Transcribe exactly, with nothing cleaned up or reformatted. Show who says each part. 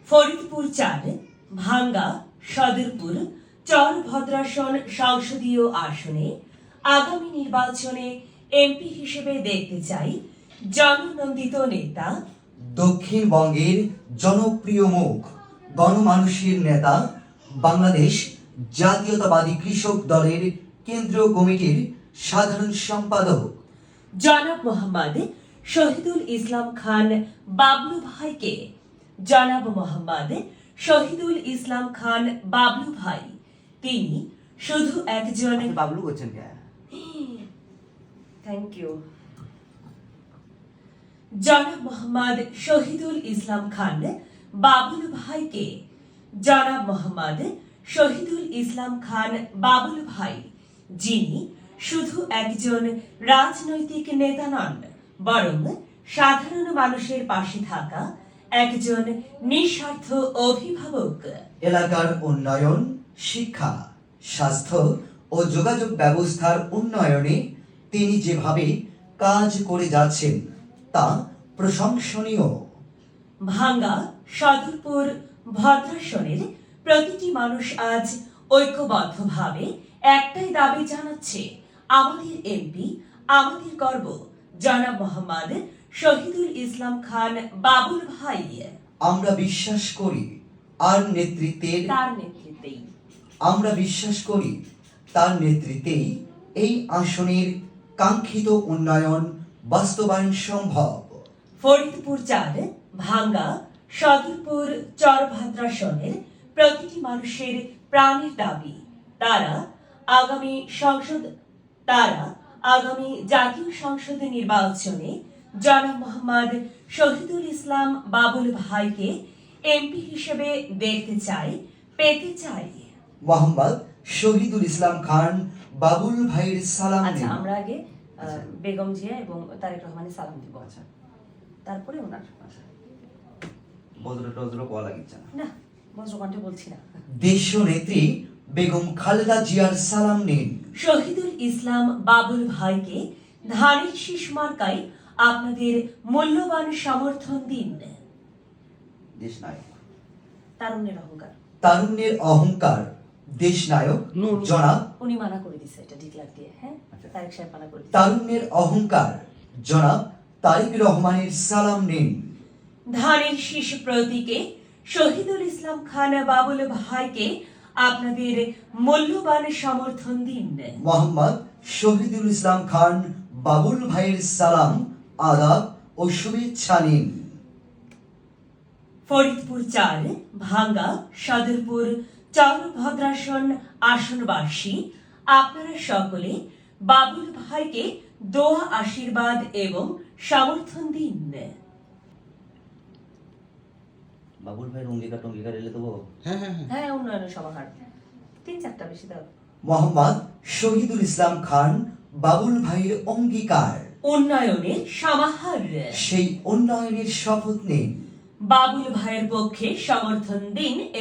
Speaker 1: ফরিদপুর চার ভাঙ্গা সদরপুর চরভদ্রাসন সংসদীয় আসনে আগামী নির্বাচনে এমপি হিসেবে দেখতে চাই জননন্দিত নেতা,
Speaker 2: দক্ষিণবঙ্গের জনপ্রিয় মুখ, গণমানুষের নেতা, বাংলাদেশ জাতীয়তাবাদী কৃষক দলের কেন্দ্রীয় কমিটির সাধারণ সম্পাদক
Speaker 1: জনাব মোহাম্মদ শহীদুল ইসলাম খান বাবলু ভাইকে। জনাব মোহাম্মদ শহীদুল ইসলাম খান বাবলু ভাই তিনি শুধু একজন
Speaker 2: বাবলু বলছেন কে?
Speaker 1: Thank you. জনাব মোহাম্মদ শহীদুল ইসলাম খান বাবুল ভাইকে। জনাব মোহাম্মদ শহীদুল ইসলাম খান বাবুল ভাই যিনি শুধু একজন রাজনৈতিক নেতা নন, বরং সাধারণ মানুষের পাশে থাকা একজন নিঃস্বার্থ অভিভাবক।
Speaker 2: এলাকার উন্নয়ন, শিক্ষা, স্বাস্থ্য ও যোগাযোগ ব্যবস্থার উন্নয়নে তিনি যেভাবে কাজ করে যাচ্ছেন তা প্রশংসনীয়।
Speaker 1: ভাঙ্গা সদরপুর ভদ্রাসনের প্রতিটি মানুষ আজ ঐক্যবদ্ধভাবে একটাই দাবি জানাচ্ছে, আমাদের এমপি, আমাদের গর্ব জনাব মোহাম্মদ শহীদুল ইসলাম খান বাবুল ভাই।
Speaker 2: আমরা বিশ্বাস করি আর নেতৃত্বের
Speaker 1: তার নেতৃত্বেই
Speaker 2: আমরা বিশ্বাস করি তার নেতৃত্বেই এই আসনের কাঙ্ক্ষিত উন্নয়ন বাস্তবায়ন সম্ভব।
Speaker 1: ফরিদপুর চার ভাঙ্গা সদরপুর চরভদ্রাসনের প্রতিটি মানুষের প্রাণের দাবি, তারা আগামী সংসদ তারা আগামী জাতীয় সংসদ নির্বাচনে জনাব মোহাম্মদ শহীদুল ইসলাম বাবুল ভাইকে এমপি হিসেবে দেখতে চাই, পেতে চাই।
Speaker 2: মোহাম্মদ শহীদুল ইসলাম খান বাবুল ভাইয়ের সালাম
Speaker 1: আচ্ছা,
Speaker 2: নিন।
Speaker 1: আমরা আগে আহ, বেগম জিয়া এবং তারেক রহমানের সালাম দিব, আচ্ছা তারপরে ওনার।
Speaker 2: বজ্র টজ্র কোয়া লাগিচ্ছে না।
Speaker 1: না, বজ্রকণ্ঠে বলছি না।
Speaker 2: দেশীয় নেত্রী বেগম খালেদা জিয়ার সালাম নিন।
Speaker 1: শহীদুল ইসলাম বাবুল ভাইকে ধানের শীষ মার্কায় আপনাদের মূল্যবান সমর্থন দিন।
Speaker 2: দেশ নায়ক,
Speaker 1: তারুণ্যের অহংকার।
Speaker 2: তারুণ্যের অহংকার, দেশ নায়ক জনাব
Speaker 1: উনি মানা করে দিছে এটা ডিক্লার দিয়ে, হ্যাঁ তারেক সাহেব মানা করে দিছে।
Speaker 2: তারুণ্যের অহংকার জনাব তারেক রহমানের সালাম নিন।
Speaker 1: ধানের শীষ প্রতীকে শহীদুল ইসলাম খান বাবুল ভাইকে আপনাদের মূল্যবান সমর্থন দিন।
Speaker 2: মোহাম্মদ শহীদুল ইসলাম খান বাবুল ভাইয়ের সালাম, আদাব ও শুভেচ্ছা নিন।
Speaker 1: ফরিদপুর চার ভাঙ্গা সদরপুর চরভদ্রাসন আসনবাসী আপনারা সকলে বাবুল ভাইকে দোয়া, আশীর্বাদ এবং সমর্থন দিন।
Speaker 3: বাবুল ভাইয়ের অঙ্গীকার টঙ্গীকার এলে দেবো।
Speaker 2: হ্যাঁ হ্যাঁ হ্যাঁ।
Speaker 1: হ্যাঁ, উন্নয়নের সমাহার তিন চারটা বেশি দাও।
Speaker 2: মোহাম্মদ শহীদুল ইসলাম খান বাবুল ভাইয়ের অঙ্গীকার,
Speaker 1: উন্নয়নের সমাহার।
Speaker 2: সেই উন্নয়নের শপথ নিন।
Speaker 1: বাবুল ভাইয়ের পক্ষে সমর্থন দিন।